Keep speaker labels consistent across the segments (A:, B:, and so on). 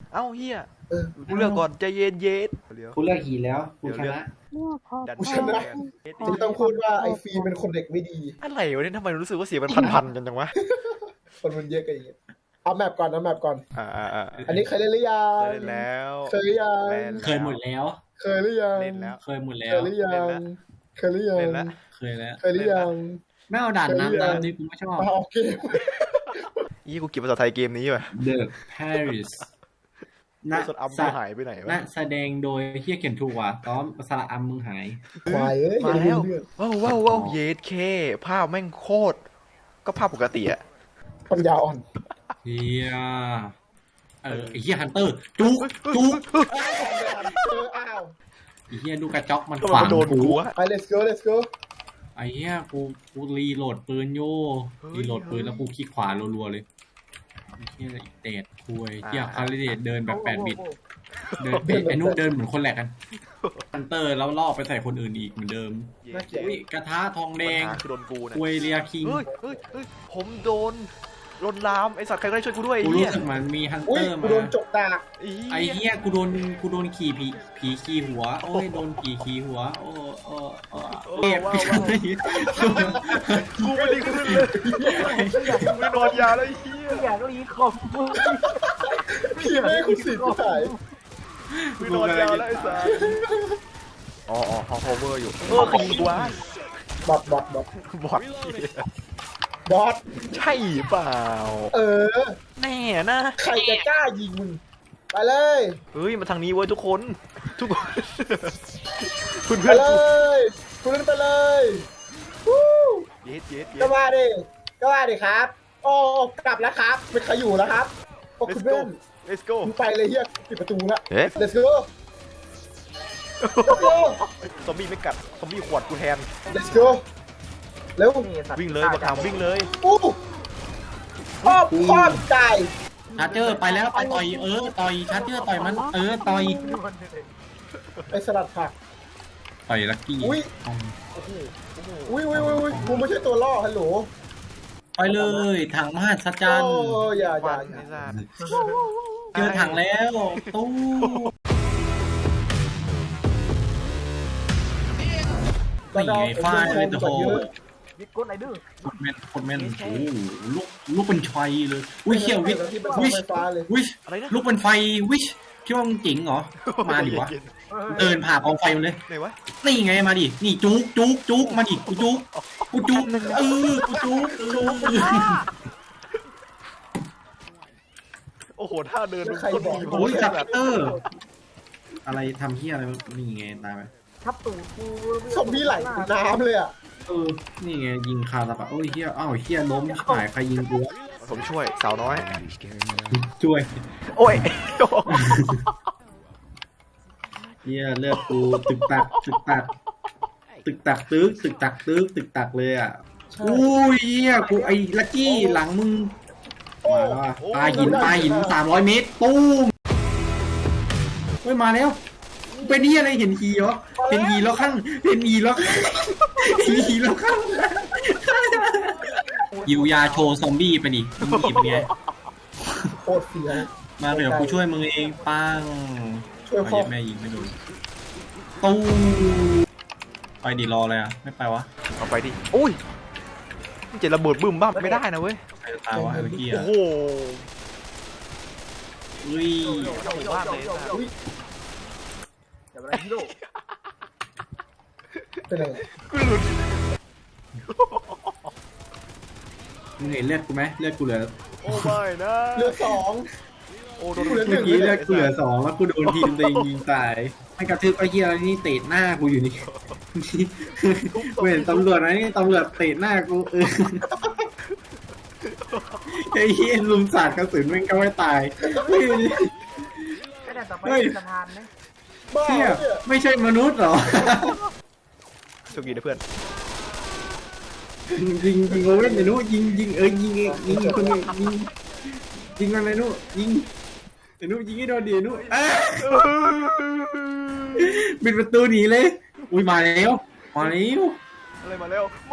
A: เอ้าเฮีย
B: เออ
A: กูเลือกก่อนใจเย็นเย็นเดี๋ยว
C: กูเลือกหีแล้วกูชนะ
A: ดัน
B: กูชนะจะต้องพูดว่าไอ้ฟีเป็นคนเด็กไม่ดี
A: อะไรวะเนี่ยทำไมรู้สึกว่าเสียงมันพันๆกันจังวะ
B: คนมันเยอะกันอย่างเงี้ยเอาแมปก่อนเอาแมปก่อน
A: อ่า
B: อันนี้เคยเล่นหรือยั
A: เค
B: ง
A: ยเล่นแล้ว
B: เคยหรือยัง
A: เล่น
C: เคยหมดแล้ว
B: เคยหรือยัง
A: เล่นแล้ว
C: เคยหมดแล้
B: เคยว หรือยังเคยหรือยัง
A: เล่นแล้ว
C: เคยแล้ว
B: เคยหรือยัง
C: ไม่เอาด่านน้ำตามที่กูไม่ชอบ
B: เอาเกม
A: ยี่กูเก็บภาษาไทยเกมนี้ว่ะ
C: The Paris ณ
A: สดอัมกูหายไปไหนวะ
C: ณแสดงโดยเฮียเขียนถูกว่ะต้อมสระอัมมึงหาย
B: ควายเอ้ย
A: มาแล้ว
B: เรื่อง
A: ว้าวเยสเคภาพแม่งโคตรก็ภาพปกติอะ
B: ปัญญาอ่อน
C: เฮียไอ้เฮียฮันเตอร์จุกจุก
B: อ้าว
C: ไอ้เฮียลูกกระจอกมัน
A: ก็
C: ขวาง
A: มาโดน
C: กู
A: กูอะ
B: ไป let's go let's go
C: ไอ้เฮียกูรีโหลดปืนโย่รีโหลดปืนแล้วกูคลิกขวารัวๆเลยไอ้เฮียอีเตดคุยเฮียคาริเดตเดินแบบ8 บิตเดินไอ้นุ๊กเดินเหมือนคนแหลกกันฮันเตอร์แล้วล่อไปใส่คนอื่นอีกเหมือนเดิม
B: น่าเกลียด
C: อุ้ยกระทะทองแด
A: ปัญ
C: ง
A: หาคือโดนกูเนี่ย
C: คุยเรียคิง
A: เฮ้ยผมโดนลวนลามไอสัตว์ใครก็ได้ช่วยกูด้วย
C: กู
A: ไอ้
C: รู้
A: เหี้ย
C: สึกเหมันมีฮัน
B: อุ้
C: เต
B: ย
C: อร์
B: กู
C: มา
B: โดนจกดาก
C: ไอ้เหี้ยกูโดนขี่ผีขี่หัวโอ้ยโดนผีขี่หัวโอ้เจ็บ
A: กูไม่ดีขึ้นเลยกูไม่นอนยาแล้วไอ้เหี้ย
D: อยากรีคอมมึง
B: พี่แม่คุณสิทธิ์ถ่าย
A: ไม่นอนยาแล้วไอ้สัตว์อ๋อฮอลเวอร์อยู่ขยิงกูวะ
B: บอท
A: บอด
B: บอท
A: ใช่เปล่า
B: แน่
A: นะ
B: ใครจะกล้ายิงมึงไปเลย
A: เฮ้ยมาทางนี้เว้ยทุกคนเพื่อน
B: ไปเลยคุณเล่นไปเลยวู้
A: เย็ด
B: ก็ว่าดิครับโอ้กลับแล้วครับไม่ใครอยู่แล้วครับโอ้คุณเล่น
A: let's go
B: มึงไปเลยเฮียปิดประตูละ
A: เอ๊ะ
B: let's go let's go
A: ซอมบี้ไม่กัดซอมบี้ขวดกูแทน
B: let's go เร็ว
A: วิ่งเลยมาถามวิ่งเลย
B: อู้พ่อใจ
C: ชาร์เจอร์ไปแล้วไปต่อยต่อยชาร์เจอร์ต่อยมันต่อย
B: ไอ้สลัดผัก
C: ต่อยลักกี้
B: อุ้ยกูไม่ใช่ตัวล่อฮัลโหล
C: ไปเลยถังมหัศจรรย์
B: โอ้อย่า
A: ฟันไอ้สัตว์
C: เจอถังแล้วตู้นี่ไงฟ้าเลยโอ้โห
D: ยึดก้นไหนดื้อ
C: โคตรแม่นโอ้ลูกเป็นชัยเลยอุ้ยเขี้ยววิช
B: ที่เป็นเสา
C: วิช
B: ไฟฟ้าเลย
C: วิช
A: อะไรนะ
C: ลูกเป็นไฟวิชคิดว่ามึงเจ๋งเหรอมาดิวะเดินผ่ากองไฟมันเลย
A: ไหนวะ
C: นี่ไงมาดินี่จุกมาดิกูจุกกูจุกจุก
A: โอ้โหท่าเดินมันคนดี
C: โอ้ยจับเตอร์อะไรทำเฮียอะไรนี่ไงตายไป
D: ทับตูดกู
B: ซอมบี้ไหลน้ำเลยอ่ะ
C: นี่ไงยิงคาตาปะโอ้ยเฮียอ้าวเฮียล้มหายใครยิงกู
A: ผมช่วยสาวน้อย
C: ช่วย
A: โอ้ย
C: เฮียเลือดกูตึกตักเลยอ่ะอุ้ยเฮียกูไอ้ลักกี้หลังมึงมาแล้วปลาหิน300 เมตรตู้มเฮ้ยมาแล้วเป็นนี่อะไรเห็นฮีเหรอเห็นฮีแล้วข้างยิวยาโชว์ซอมบี้ไปดิซอมบี้เป็นไง
B: โคตรเสีย
C: มาเดี๋ยวกูช่วยมึงเองปัง
B: ช่วย
C: เอา
B: พ่อ
C: เย็บแม่ยิงไม่โดนตู้ไปดิรอเลยอ่ะไม่ไปวะ
A: เอาไปดิอุ้ยมันจะระเบิดบึ้มบ้ามไม่ได้นะเว้ย
C: ใครจะตายวะไอ้เมื่อกี้
A: โอ้
C: อ่ะ
A: โห
C: อุ้ย
A: บ้านเลยสัตว์
D: อย่าไปฮีโร่
B: เป็นอะไร
A: กูหลุด
C: มึงเห็นเลือดกูไหมเลือดกูเหลือ
A: โอ้ไม่นะ
B: เรือสอง
A: โอ้โดน
B: เหลือห
C: เมื่
B: นึ่
C: อง กี้เลือดกูเหลือ2แล้วกูโดนทีมตัวเองยิงตายไม่กระทืบไอ้เหี้ยอะไรนี่เตะหน้ากูอยู่นี่กูเห็นตำรวจนะนี่ตำรวจเตะหน้ากูไอ้เหี้ยลุมสาดกระสุนแม่งก็ไม่ตาย
D: ก็ได้ต่อไปเป็นสะพานนะ
B: บ้า
C: เหี้ย
B: เนี่ย
C: ไม่ใช่มนุษย์เหรอ
A: โชคดีนะเพื่อน
C: ยิงโอเว่นไอ้นู้ยิงยิงคนนึงยิงมันไอ้นู้ยิงไอ้นู้ยิงให้โดนดิไอ้นู้ปิดประตูหนีเลยอุ้ยมาแล้ว
A: อะไรมาแล้วมา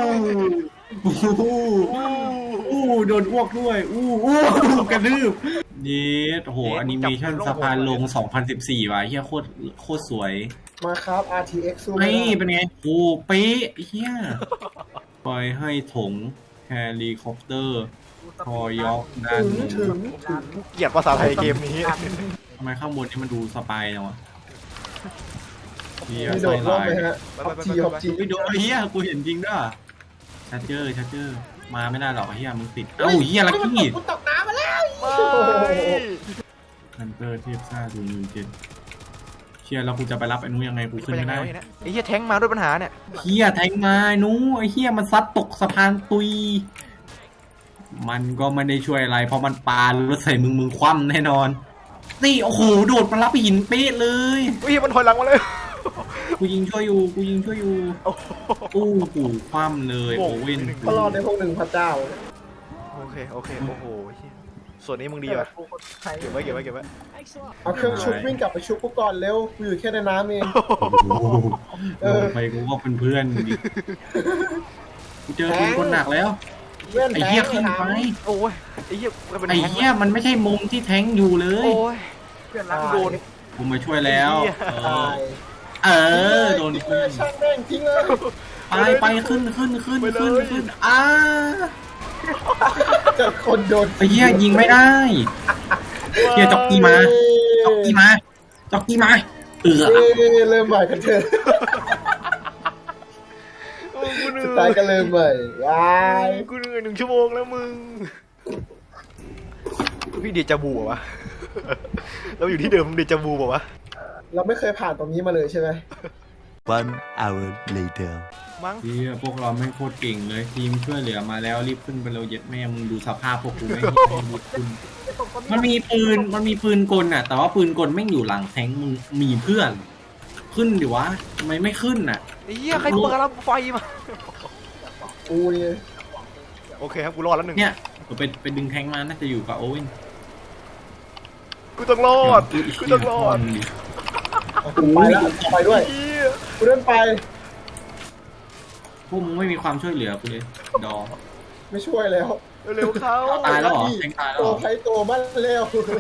C: อู้โดนอ้วกด้วยอู้กระดืบเยสโหแอนิเมชันสะพานลง 2014 ว่ะเฮียโคตรสวย
B: มาครับ RTX สู้
C: นี่เป็นไงโอ้เป๊ะเฮียปล่อยให้ถงเฮลิคอปเตอร์ทอยอกด้าน
B: ถึง
A: เกลียดภาษาไทยเกมนี้
C: ทำไมข้างบนนี่มันดูสปายจังวะเฮีย
B: มีโด
C: ใส่
B: ดร่ม
C: ลาย
B: ไหมฮะขับจีขับจี
C: ไม่โดนเฮียกูเห็นจริงด้วยชัดเจอร์มาไม่ได้หรอกเฮียมึงติดเอ้าเฮียลักกี้
B: กูตกน้ำมาแล้ว
C: ฮันเตอร์เทียบซ่าดูยูเจนเชียแล้วกูจะไปรับไอ้นู้ยังไงกูขึ้นไม่ได้
A: ไอ้เหี้ยแท้งมาด้วยปัญหาเนี่ย
C: เฮียแทงมาไอ้นู้ไอ้เฮียมันซัดตกสะพานตุยมันก็ไม่ได้ช่วยอะไรเพราะมันปาแล้วใส่มึงคว่ำแน่นอนนี่โอ้โหโดดมารับหินเป๊ะเลย
A: อุ้ยมันถอยหลังมาเลย
C: กูยิงช่วยอยู่อู้หูคว่ำเลย
A: โอ้
C: โอ
A: โห
C: เว่น
B: เขารอในพวกหนึ่งพระเจ้า
A: โอเคโอ้โหส่วนนี้มึงดีป่ะเก็บไว้
B: เอาเครื่องชุบวิ่งกลับไปชุบกูก่อนเร็วกูอยู่แค่ในน้ำเอง
C: โอ้โหไปกูก็เป็นเพื่อนดิกูเจอคนหนักแล้ว
B: เพื่อน
C: ไอ้
B: แพ้
C: เหี้ยขึ้นไป
A: โอ้ยไอ้เหี้ยมันเป็น
C: ไอ้
A: แท้ง
C: เหี้ยมันไม่ใช่มุมที่แทงอยู่เลย
A: โอ้ย
D: เพื่อนรัก
A: โดน
C: กูมาช่วยแล้ว
B: ตาย
C: โดน
B: ทิ้ง
C: เพื่
B: เล
C: อย น
B: ช่างแม่งทิ้งเลย
C: ไปขึ้น
B: เกิดคนโดน
C: ไอ้เหี้ยยิงไม่ได้เหี้ยจ็อกกี้มาเ
B: เริ่มใหม่กันเถอะสุดท้ายก็เริ่มใหม่ว้าย
A: กูเหนื่อย1 ชั่วโมงแล้วมึงพี่เดจาบูวะเราอยู่ที่เดิมเดจาบูวะ
B: เราไม่เคยผ่านตรงนี้มาเลยใช่ไหม
E: One hour later.
A: มั้ง
C: เหี้ยพวกเราไม่งโคตรเก่งเลยทีมช่วยเหลือมาแล้วรีบขึ้นไปเร็วเย็ดแม่มึงดูสภาพพวกกูไม่ให้รีบขึ้นมันมีปืนกลน่ะแต่ว่าปืนกลไม่งอยู่หลังแทงมึงมีเพื่อนขึ้นดิวะทำไมไม่ขึ้นน่ะ
A: ไอ้เหี้ยใครเปิดรับไฟมา
B: กูนี่
A: โอเคครับกูรอดแล้ว1
C: เนี่ยไปดึงแทงมาน่าจะอยู่กับโอเว่น
A: กูต้องรอด
B: กูไปแล้วไปด้วย
A: เหี้ย
B: กูเดินไป
C: พวกมึงไม่มีความช่วยเหลือกูเลยดอ
B: ไม่ช่วยแล้ว
A: เร็วเข้า
C: ตายแล้วเหรอแทงตายแล้ว
B: โต
C: เหรอ
B: ใครโตมันแล้ว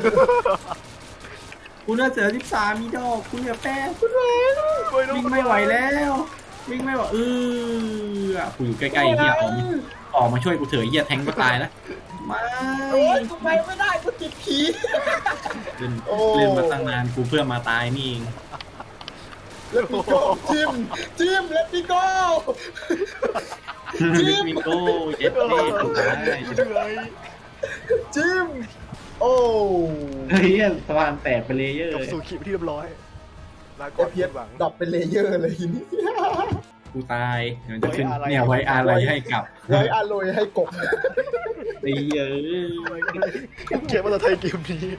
C: กูเลือดเสือ13มีดอกกูเหลือแป้ง
A: วิ่
C: วิ่งไม่ไหวแล้ววิ่งไม่ไหวกูอยู่ใกล้ๆเฮียออกมาช่วยกูเถอะเฮียแทงก็ตายแล้วไม่
B: โอ้ยกูไปไม่ได้กูติดผี
C: เล่นมาตั้งนานกูเพื่อมาตายนี่เอง
B: แล้วปีโก้จิ้มแล้วปีโก้
C: ลิมิโก้เจ็ดเล่ถูกได้
A: เหนื่อย
B: จิ้มโอ้
C: เฮ้ยสะพานแตกไปเลยเยอะ
A: จบสู่คลิปที่เรียบร้อยลาก่
B: ไอ
A: อน
B: เพีย
A: หวัง
B: ดรอปเป็นเลเยอร์เลยทีนี้
C: กูตายเดี๋ยวจะขึ้นเนี่ยไว้อะไรให้กับ
B: ไว้อาโรยให้กบ
C: ไอ้เยอะ
A: เขียนภาษาไทยเกมนี้